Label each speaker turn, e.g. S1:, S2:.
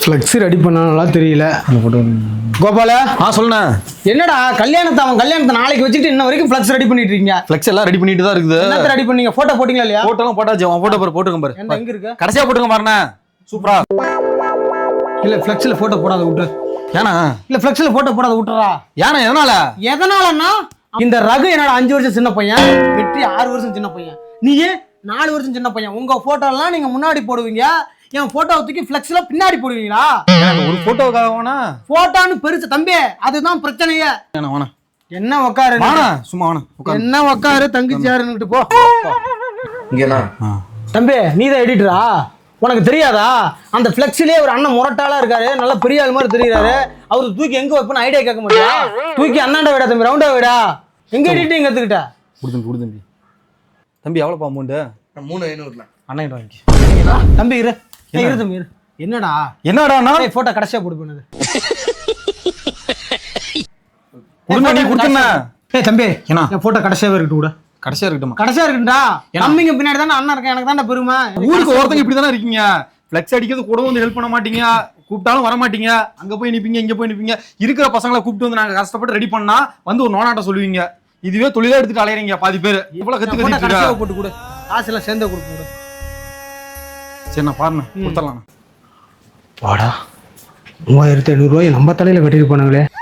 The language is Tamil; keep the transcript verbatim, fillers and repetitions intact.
S1: ஃப்ளெக்ஸ் ரெடி பண்ணனால தெரியல. கோபால
S2: ஆ சொல்லுண்ணா.
S1: என்னடா கல்யாணத்தை அவன் கல்யாணத்தை நாளைக்கு வச்சுட்டு இன்ன வரைக்கும் ஃப்ளெக்ஸ் ரெடி பண்ணிட்டு இருக்கீங்க?
S2: ஃப்ளெக்ஸ் எல்லாம் ரெடி பண்ணிட்டு தான் இருக்குது.
S1: என்னத்த ரெடி பண்ணீங்க? போட்டோ போட்டீங்களா இல்லையா?
S2: போட்டோலாம் போட்டாச்சு. அவன் போட்டோ பாரு, போட்டுங்க பாரு.
S1: என்ன எங்க இருக்கு?
S2: கடைசியா போட்டுங்க பாருண்ணா. சூப்பரா.
S1: இல்ல ஃப்ளெக்ஸ்ல போட்டோ போடாத விட்டு.
S2: ஏனா?
S1: இல்ல ஃப்ளெக்ஸ்ல போட்டோ போடாத விட்டுறா.
S2: ஏனா எதனால? எதனாலன்னா
S1: இந்த ரகு என்னோட அஞ்சு வருஷம் சின்ன பையன், வெற்றி ஆறு வருஷம் சின்ன பையன், நீயே நாலு வருஷம் சின்ன பையன். உங்க போட்டோ எல்லாம் நீங்க முன்னாடி போடுவீங்க, என் போட்டோ தூக்கி ஃப்ளெக்ஸ்ல பின்னாடி போடுவீங்களா?
S2: ஒரு போட்டோக்காக வேணா?
S1: போட்டோன்னு பெருசு தம்பி, அதுதான் பிரச்சனையே. என்ன உக்காரு
S2: சும்மா
S1: என்ன உக்காரு தங்கச்சி யாருன்னுட்டு போ.
S2: இங்கேண்ணா
S1: தம்பி நீதான் எடிட்டரா? உனக்கு தெரியாதா? அந்த ஃப்ளெக்ஸ்லயே ஒரு அண்ணன் முரட்டாளா இருக்காரு, நல்ல பெரிய ஆள் மாதிரி தெரியுறாரு. அவரு தூக்கி எங்க வைப்பேன்னு ஐடியா கேட்க மாட்டியா? தூக்கி அண்ணாண்ட விடா தம்பி, ரவுண்டா விடா. எங்க எடிட்டிங் கத்துக்கிட்ட?
S2: கொடுத்துங்க கொடுத்துங்க தம்பி. எவ்வளோப்பா அமௌண்ட்டு?
S3: மூணு ஐநூறுல
S2: அண்ணன் வாங்கி
S1: தம்பி இரு இரு தம்பி இரு. என்னடா
S2: என்னடா
S1: போட்டோ கடைசியா போட்டு போனது?
S2: நீ கொடுத்துண்ணா.
S1: ஏய் தம்பி
S2: என்ன
S1: என் போட்டோ கடைசியாவே இருக்கட்டும் கூட.
S2: கடைசியா இருக்கட்டும்.
S1: கடைசியா இருக்குடா. தம்பிங்க பின்னாடி தானே அண்ணன் இருக்கேன், எனக்கு தானே பெருமை.
S2: ஊருக்கு ஒருத்தங்க இப்படி தானே இருக்கீங்க. ஃப்ளெக்ஸ் அடிக்கிறது கூட வந்து ஹெல்ப் பண்ண மாட்டீங்க, கூப்பிட்டாலும் வர மாட்டீங்க. அங்க போய் நிப்பீங்க, இங்க போய் நிப்பீங்க. இருக்கிற பசங்களை கூப்பிட்டு வந்து நாங்க கஷ்டப்பட்டு ரெடி பண்ணா வந்து ஒரு நோனாட்ட சொல்லுவீங்க. இதுவே தொழிலா எடுத்துட்டு அலையறீங்க பாதி பேர். இவ்வளவு கத்து கத்து
S1: போட்டு கொடு, காசு எல்லாம் சேர்ந்து கொடுக்க கொடு.
S2: சரி நான் பாருங்க கொடுத்துடலாம்.
S1: வாடா மூவாயிரத்தி ஐநூறு ரூபாய் நம்ம தலையில கட்டிட்டு போனாங்களே.